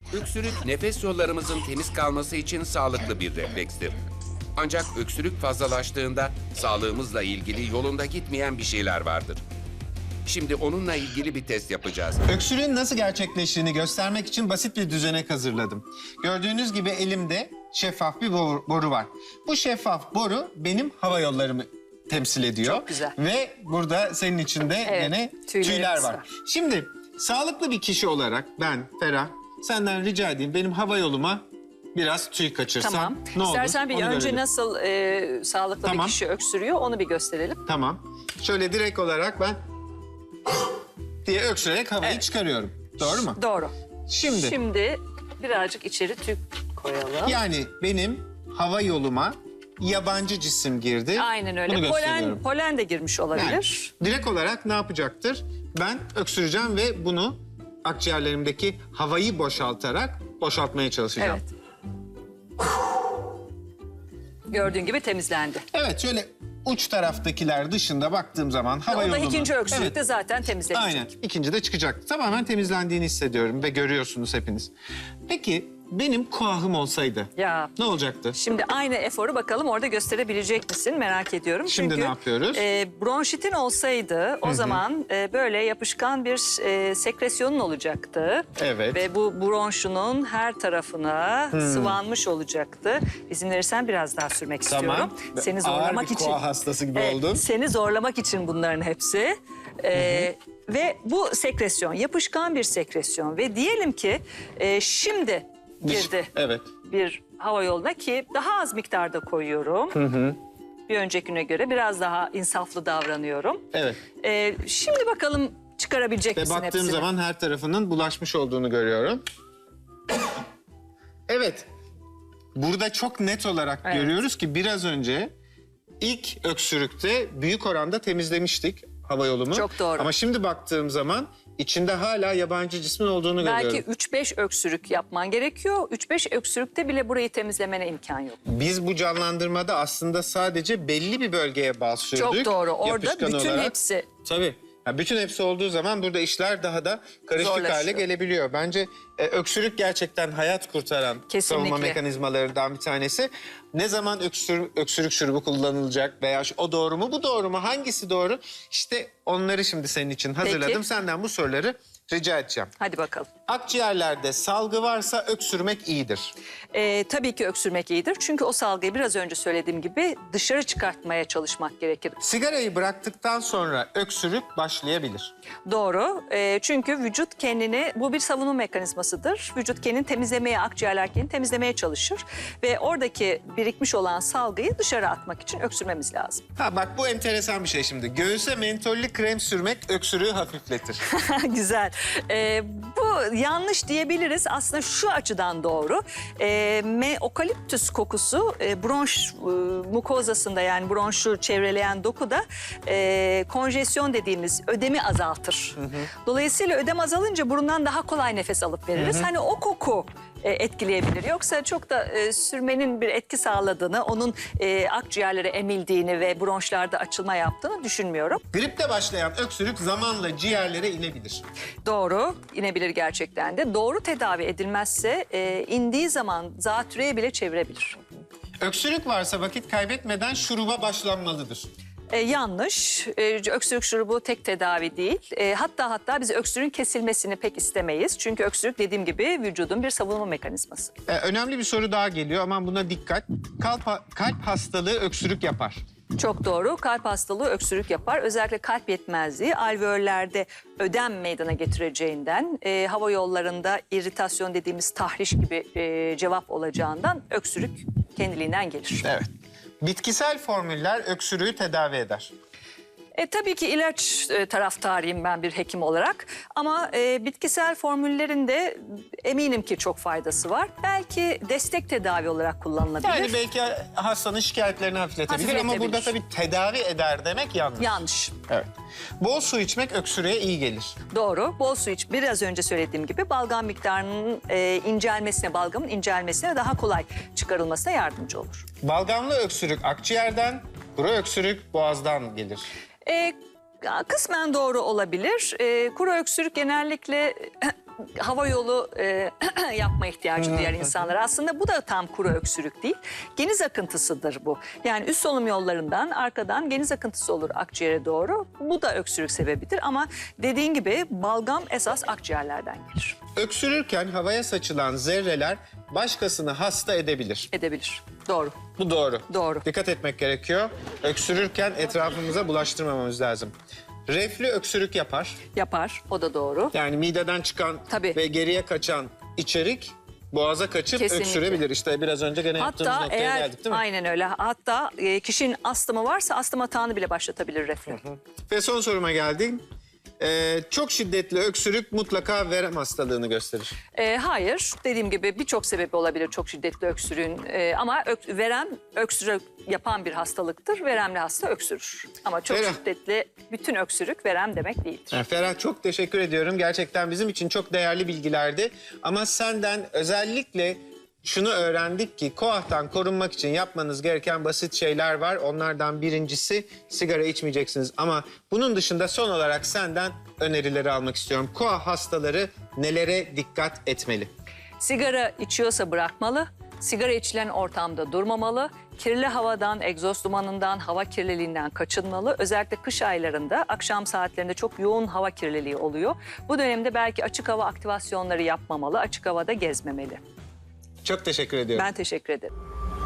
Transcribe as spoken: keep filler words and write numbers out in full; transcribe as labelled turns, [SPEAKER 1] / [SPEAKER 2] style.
[SPEAKER 1] Öksürük, nefes yollarımızın temiz kalması için sağlıklı bir reflekstir. Ancak öksürük fazlalaştığında sağlığımızla ilgili yolunda gitmeyen bir şeyler vardır. Şimdi onunla ilgili bir test yapacağız.
[SPEAKER 2] Öksürüğün nasıl gerçekleştiğini göstermek için basit bir düzenek hazırladım. Gördüğünüz gibi elimde şeffaf bir boru, boru var. Bu şeffaf boru benim hava yollarımı temsil ediyor.
[SPEAKER 3] Çok güzel.
[SPEAKER 2] Ve burada senin içinde
[SPEAKER 3] Evet,
[SPEAKER 2] gene
[SPEAKER 3] tüylerimiz
[SPEAKER 2] tüyler var.
[SPEAKER 3] var.
[SPEAKER 2] Şimdi sağlıklı bir kişi olarak ben Ferah senden rica edeyim benim hava yoluma biraz tüy kaçırsan
[SPEAKER 3] Tamam.
[SPEAKER 2] ne olur?
[SPEAKER 3] İstersen bir
[SPEAKER 2] Onu
[SPEAKER 3] önce
[SPEAKER 2] görelim.
[SPEAKER 3] nasıl e, sağlıklı
[SPEAKER 2] Tamam.
[SPEAKER 3] bir kişi öksürüyor onu bir gösterelim.
[SPEAKER 2] Tamam. Şöyle direkt olarak ben diye öksürerek havayı
[SPEAKER 3] Evet.
[SPEAKER 2] çıkarıyorum. Doğru mu?
[SPEAKER 3] Doğru.
[SPEAKER 2] Şimdi,
[SPEAKER 3] Şimdi birazcık içeri tüp koyalım.
[SPEAKER 2] yani benim hava yoluma yabancı cisim girdi.
[SPEAKER 3] Aynen
[SPEAKER 2] Bunu
[SPEAKER 3] öyle. Polen,
[SPEAKER 2] gösteriyorum.
[SPEAKER 3] polen de girmiş
[SPEAKER 2] Yani
[SPEAKER 3] olabilir.
[SPEAKER 2] direkt olarak ne yapacaktır? Ben öksüreceğim ve bunu akciğerlerimdeki havayı boşaltarak boşaltmaya çalışacağım.
[SPEAKER 3] Evet. Gördüğün gibi temizlendi.
[SPEAKER 2] Evet, şöyle uç taraftakiler dışında baktığım zaman hava
[SPEAKER 3] O da
[SPEAKER 2] yolunu...
[SPEAKER 3] ikinci öksürükte
[SPEAKER 2] Evet,
[SPEAKER 3] zaten temizlenecek.
[SPEAKER 2] aynen. İkinci de çıkacak. Tamamen temizlendiğini hissediyorum ve görüyorsunuz hepiniz. Peki benim kuahım olsaydı
[SPEAKER 3] Ya.
[SPEAKER 2] ne olacaktı?
[SPEAKER 3] Şimdi aynı eforu bakalım orada gösterebilecek misin merak ediyorum.
[SPEAKER 2] Şimdi
[SPEAKER 3] Çünkü,
[SPEAKER 2] ne yapıyoruz?
[SPEAKER 3] E, bronşitin olsaydı o zaman e, böyle yapışkan bir e, sekresyonun olacaktı.
[SPEAKER 2] Evet.
[SPEAKER 3] Ve bu bronşunun her tarafına sıvanmış olacaktı. İzin verirsen biraz daha sürmek istiyorum. Seni zorlamak
[SPEAKER 2] Ağır bir
[SPEAKER 3] için.
[SPEAKER 2] koa hastası gibi
[SPEAKER 3] Evet,
[SPEAKER 2] oldun.
[SPEAKER 3] Seni zorlamak için bunların hepsi. Ee, ve bu sekresyon yapışkan bir sekresyon ve diyelim ki e, şimdi girdi
[SPEAKER 2] Evet.
[SPEAKER 3] bir hava yoluna ki daha az miktarda koyuyorum. Bir öncekine göre biraz daha insaflı davranıyorum.
[SPEAKER 2] Evet.
[SPEAKER 3] Ee, şimdi bakalım çıkarabilecek
[SPEAKER 2] Ve
[SPEAKER 3] misin
[SPEAKER 2] baktığım
[SPEAKER 3] hepsini?
[SPEAKER 2] zaman her tarafının bulaşmış olduğunu görüyorum. Evet. Burada çok net olarak
[SPEAKER 3] Evet.
[SPEAKER 2] görüyoruz ki biraz önce ilk öksürükte büyük oranda temizlemiştik hava yolunu.
[SPEAKER 3] Çok doğru.
[SPEAKER 2] Ama şimdi baktığım zaman içinde hala yabancı cismin olduğunu
[SPEAKER 3] Belki
[SPEAKER 2] görüyorum.
[SPEAKER 3] üç beş öksürük yapman gerekiyor. üç beş öksürükte bile burayı temizlemene imkan yok.
[SPEAKER 2] Biz bu canlandırmada aslında sadece belli bir bölgeye basıyorduk.
[SPEAKER 3] Çok doğru. Orada
[SPEAKER 2] yapışkan
[SPEAKER 3] bütün
[SPEAKER 2] olarak.
[SPEAKER 3] hepsi.
[SPEAKER 2] Tabii. Ya bütün hepsi olduğu zaman burada işler daha da karışık
[SPEAKER 3] Zorlaşıyor.
[SPEAKER 2] hale gelebiliyor. Bence e, öksürük gerçekten hayat kurtaran
[SPEAKER 3] Kesinlikle.
[SPEAKER 2] savunma mekanizmalarından bir tanesi. Ne zaman öksür, öksürük şurubu kullanılacak veya şu- o doğru mu bu doğru mu hangisi doğru? İşte onları şimdi senin için hazırladım.
[SPEAKER 3] Peki.
[SPEAKER 2] Senden bu soruları rica edeceğim.
[SPEAKER 3] Hadi bakalım.
[SPEAKER 2] Akciğerlerde salgı varsa öksürmek iyidir.
[SPEAKER 3] Ee, tabii ki öksürmek iyidir. Çünkü o salgıyı biraz önce söylediğim gibi dışarı çıkartmaya çalışmak gerekir.
[SPEAKER 2] Sigarayı bıraktıktan sonra öksürük başlayabilir.
[SPEAKER 3] Doğru. Ee, çünkü vücut kendini, bu bir savunma mekanizmasıdır. Vücut kendini temizlemeye, akciğerler kendini temizlemeye çalışır. Ve oradaki birikmiş olan salgıyı dışarı atmak için öksürmemiz lazım.
[SPEAKER 2] Ha bak bu enteresan bir şey şimdi. Göğüse mentollü krem sürmek öksürüğü hafifletir.
[SPEAKER 3] Güzel. Ee, bu yanlış diyebiliriz. Aslında şu açıdan doğru. Ee, me, okaliptüs kokusu e, bronş e, mukozasında yani bronşu çevreleyen dokuda e, konjesyon dediğimiz ödemi azaltır. Dolayısıyla ödem azalınca burundan daha kolay nefes alıp veririz. Hani o koku e, etkileyebilir. Yoksa çok da e, sürmenin bir etki sağladığını, onun e, akciğerlere emildiğini ve bronşlarda açılma yaptığını düşünmüyorum.
[SPEAKER 2] Gripte başlayan öksürük zamanla ciğerlere inebilir.
[SPEAKER 3] Doğru, inebilir gerçekten de. Doğru tedavi edilmezse e, indiği zaman zatürreye bile çevirebilir.
[SPEAKER 2] Öksürük varsa vakit kaybetmeden şuruba başlanmalıdır.
[SPEAKER 3] E, yanlış. E, öksürük şurubu tek tedavi değil. E, hatta hatta biz öksürüğün kesilmesini pek istemeyiz. Çünkü öksürük dediğim gibi vücudun bir savunma mekanizması.
[SPEAKER 2] Ee, önemli bir soru daha geliyor ama buna dikkat. Kalp, kalp hastalığı öksürük yapar.
[SPEAKER 3] Çok doğru. Kalp hastalığı öksürük yapar. Özellikle kalp yetmezliği alveollerde ödem meydana getireceğinden, e, hava yollarında iritasyon dediğimiz tahriş gibi e, cevap olacağından öksürük kendiliğinden gelir.
[SPEAKER 2] Evet. Bitkisel formüller öksürüğü tedavi eder.
[SPEAKER 3] E, tabii ki ilaç e, taraftarıyım ben bir hekim olarak. Ama e, bitkisel formüllerin de eminim ki çok faydası var. Belki destek tedavi olarak kullanılabilir.
[SPEAKER 2] Yani belki hastanın şikayetlerini hafifletebilir, ama
[SPEAKER 3] Hafifletebilir.
[SPEAKER 2] burada tabii tedavi eder demek yanlış.
[SPEAKER 3] Yanlış.
[SPEAKER 2] Evet. Bol su içmek öksürüğe iyi gelir.
[SPEAKER 3] Doğru. Bol su iç. Biraz önce söylediğim gibi balgam miktarının e, incelmesine, balgamın incelmesine daha kolay çıkarılmasına yardımcı olur.
[SPEAKER 2] Balgamlı öksürük akciğerden, kuru öksürük boğazdan gelir.
[SPEAKER 3] E, kısmen doğru olabilir. E, kuru öksürük genellikle hava yolu e, yapma ihtiyacı duyan insanlar. Aslında bu da tam kuru öksürük değil. Geniz akıntısıdır bu. Yani üst solunum yollarından arkadan geniz akıntısı olur akciğere doğru. Bu da öksürük sebebidir ama dediğin gibi balgam esas akciğerlerden gelir.
[SPEAKER 2] Öksürürken havaya saçılan zerreler başkasını hasta edebilir.
[SPEAKER 3] Edebilir. Doğru.
[SPEAKER 2] Bu doğru.
[SPEAKER 3] Doğru.
[SPEAKER 2] Dikkat etmek gerekiyor. Öksürürken etrafımıza bulaştırmamamız lazım. Reflü öksürük yapar.
[SPEAKER 3] Yapar. O da doğru.
[SPEAKER 2] Yani mideden çıkan
[SPEAKER 3] Tabii.
[SPEAKER 2] ve geriye kaçan içerik boğaza kaçıp
[SPEAKER 3] Kesinlikle.
[SPEAKER 2] öksürebilir. İşte biraz önce gene yaptığımız
[SPEAKER 3] Hatta
[SPEAKER 2] noktaya
[SPEAKER 3] eğer
[SPEAKER 2] geldik değil mi?
[SPEAKER 3] aynen öyle. Hatta e, kişinin astımı varsa astım atağını bile başlatabilir reflü.
[SPEAKER 2] Ve son soruma geldim. Ee, çok şiddetli öksürük mutlaka verem hastalığını gösterir.
[SPEAKER 3] E, hayır. Dediğim gibi birçok sebebi olabilir çok şiddetli öksürüğün. E, ama ök, verem öksürük yapan bir hastalıktır. Veremli hasta öksürür. Ama çok
[SPEAKER 2] Ferah.
[SPEAKER 3] şiddetli bütün öksürük verem demek değildir.
[SPEAKER 2] Yani Ferah, çok teşekkür ediyorum. Gerçekten bizim için çok değerli bilgilerdi. Ama senden özellikle şunu öğrendik ki koahtan korunmak için yapmanız gereken basit şeyler var. Onlardan birincisi sigara içmeyeceksiniz. Ama bunun dışında son olarak senden önerileri almak istiyorum. Koah hastaları nelere dikkat etmeli?
[SPEAKER 3] Sigara içiyorsa bırakmalı. Sigara içilen ortamda durmamalı. Kirli havadan, egzoz dumanından, hava kirliliğinden kaçınmalı. Özellikle kış aylarında akşam saatlerinde çok yoğun hava kirliliği oluyor. Bu dönemde belki açık hava aktivasyonları yapmamalı, açık havada gezmemeli.
[SPEAKER 2] Çok teşekkür ediyorum.
[SPEAKER 3] Ben teşekkür ederim.